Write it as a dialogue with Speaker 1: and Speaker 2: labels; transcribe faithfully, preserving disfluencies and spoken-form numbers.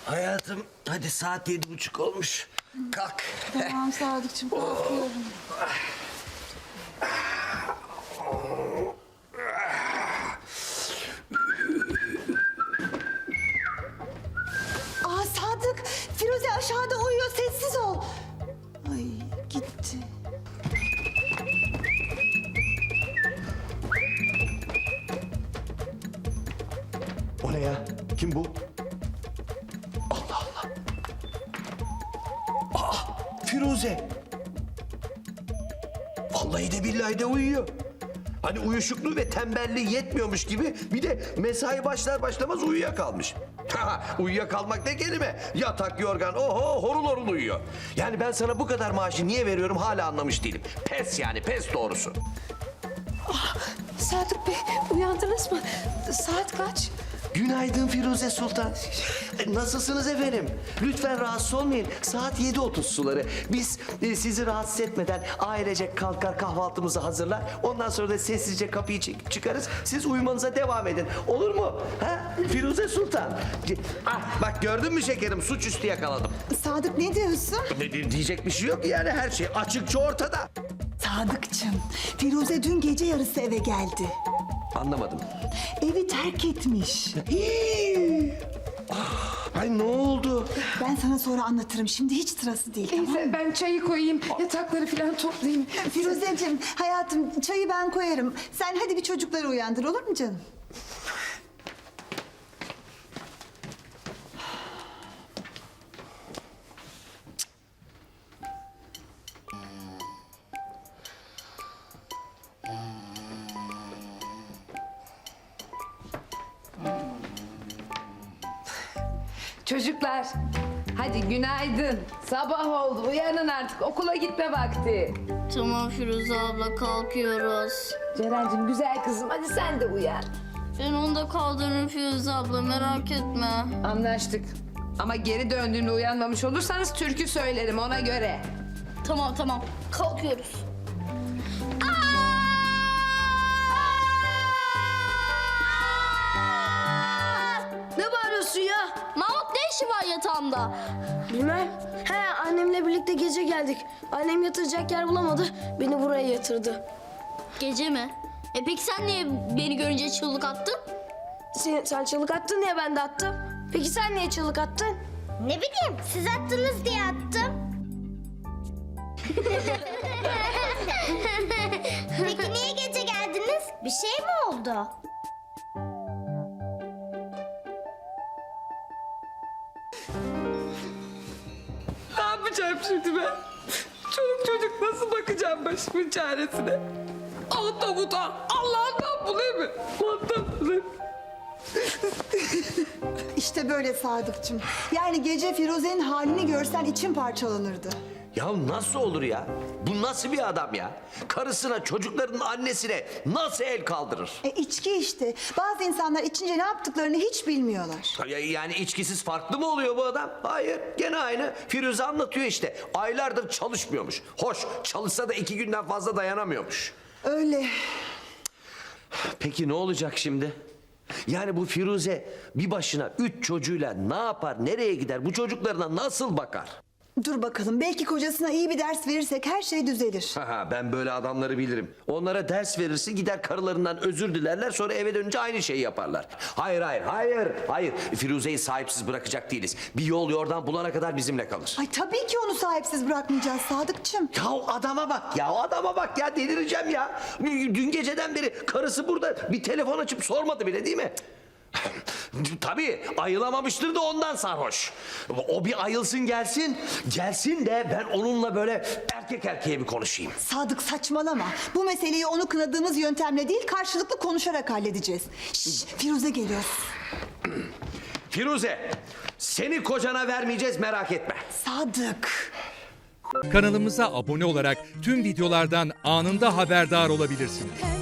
Speaker 1: Hayatım hadi saat yedi buçuk olmuş. Kalk.
Speaker 2: Tamam Sadıkçım, kalkıyorum. Aa Sadık, Firuze aşağıda uyuyor, sessiz ol. Ay gitti.
Speaker 1: O ne ya? Kim bu? Allah Allah. Aa, Firuze. Vallahi de billahi de uyuyor. Hani uyuşukluğu ve tembelliği yetmiyormuş gibi bir de mesai başlar başlamaz uyuyakalmış. Ha, uyuyakalmak ne kelime? Yatak, yorgan, oho horul horul uyuyor. Yani ben sana bu kadar maaşı niye veriyorum hala anlamış değilim. Pes yani pes doğrusu.
Speaker 2: Sadık Bey, uyandınız mı? Saat kaç?
Speaker 1: Günaydın Firuze Sultan. Nasılsınız efendim? Lütfen rahatsız olmayın. Saat yedi otuz suları. Biz e, sizi rahatsız etmeden ailecek kalkar kahvaltımızı hazırlar. Ondan sonra da sessizce kapıyı çekip çıkarız. Siz uyumanıza devam edin. Olur mu? Ha? Firuze Sultan. Ah, bak gördün mü şekerim? Suçüstü yakaladım.
Speaker 2: Sadık ne diyorsun?
Speaker 1: Ne di- diyecek bir şey yok yani her şey açıkça ortada.
Speaker 2: Sadıkçım, Firuze dün gece yarısı eve geldi.
Speaker 1: Anlamadım.
Speaker 2: Evi terk etmiş.
Speaker 1: Hii! Ah, ay ne oldu?
Speaker 2: Ben sana sonra anlatırım. Şimdi hiç sırası değil. Tamam?
Speaker 3: Neyse ben çayı koyayım, yatakları falan toplayayım.
Speaker 2: Firuzeciğim, hayatım çayı ben koyarım. Sen hadi bir çocukları uyandır, olur mu canım?
Speaker 3: Çocuklar, hadi günaydın. Sabah oldu, uyanın artık. Okula gitme vakti.
Speaker 4: Tamam Firuze abla, kalkıyoruz.
Speaker 3: Ceren'cim güzel kızım, hadi sen de uyan.
Speaker 4: Ben onu da kaldırırım Firuze abla, merak etme.
Speaker 3: Anlaştık. Ama geri döndüğünde uyanmamış olursanız türkü söylerim ona göre.
Speaker 4: Tamam tamam, kalkıyoruz. Ne bağırıyorsun ya? Mahmut ne işi var yatağımda?
Speaker 5: Bilmem. He, annemle birlikte gece geldik. Annem yatıracak yer bulamadı. Beni buraya yatırdı.
Speaker 4: Gece mi? E peki sen niye beni görünce çığlık attın?
Speaker 5: Sen, sen çığlık attın diye ben de attım. Peki sen niye çığlık attın?
Speaker 6: Ne bileyim, siz attınız diye attım. Peki niye gece geldiniz? Bir şey mi oldu?
Speaker 3: Ne yapacağım şimdi ben? Çoluk çocuk nasıl bakacağım başımın çaresine? Allah'tan utan, Allah'tan bulayım mı? Allah'tan bulayım.
Speaker 2: İşte böyle Sadıkçım. Yani gece Firuze'nin halini görsen için parçalanırdı.
Speaker 1: Ya nasıl olur ya? Bu nasıl bir adam ya? Karısına, çocuklarının annesine nasıl el kaldırır?
Speaker 2: E içki işte. Bazı insanlar içince ne yaptıklarını hiç bilmiyorlar.
Speaker 1: Ya- Yani içkisiz farklı mı oluyor bu adam? Hayır, gene aynı. Firuze anlatıyor işte. Aylardır çalışmıyormuş. Hoş, çalışsa da iki günden fazla dayanamıyormuş.
Speaker 2: Öyle.
Speaker 1: Peki ne olacak şimdi? Yani bu Firuze bir başına üç çocuğuyla ne yapar, nereye gider? Bu çocuklarına nasıl bakar?
Speaker 2: Dur bakalım, belki kocasına iyi bir ders verirsek her şey düzelir.
Speaker 1: Ha, ben böyle adamları bilirim. Onlara ders verirsin gider karılarından özür dilerler sonra eve dönünce aynı şeyi yaparlar. Hayır hayır hayır hayır Firuze'yi sahipsiz bırakacak değiliz. Bir yol yordan bulana kadar bizimle kalır.
Speaker 2: Ay tabii ki onu sahipsiz bırakmayacağız Sadıkçım.
Speaker 1: Ya adama bak ya adama bak ya delireceğim ya. Dün geceden beri karısı burada bir telefon açıp sormadı bile değil mi? Tabii ayılamamıştır da ondan sarhoş. O bir ayılsın gelsin. Gelsin de ben onunla böyle erkek erkeğe bir konuşayım.
Speaker 2: Sadık saçmalama. Bu meseleyi onu kınadığımız yöntemle değil karşılıklı konuşarak halledeceğiz. Şşş, Firuze geliyor.
Speaker 1: Firuze seni kocana vermeyeceğiz merak etme.
Speaker 2: Sadık.
Speaker 7: Kanalımıza abone olarak tüm videolardan anında haberdar olabilirsiniz.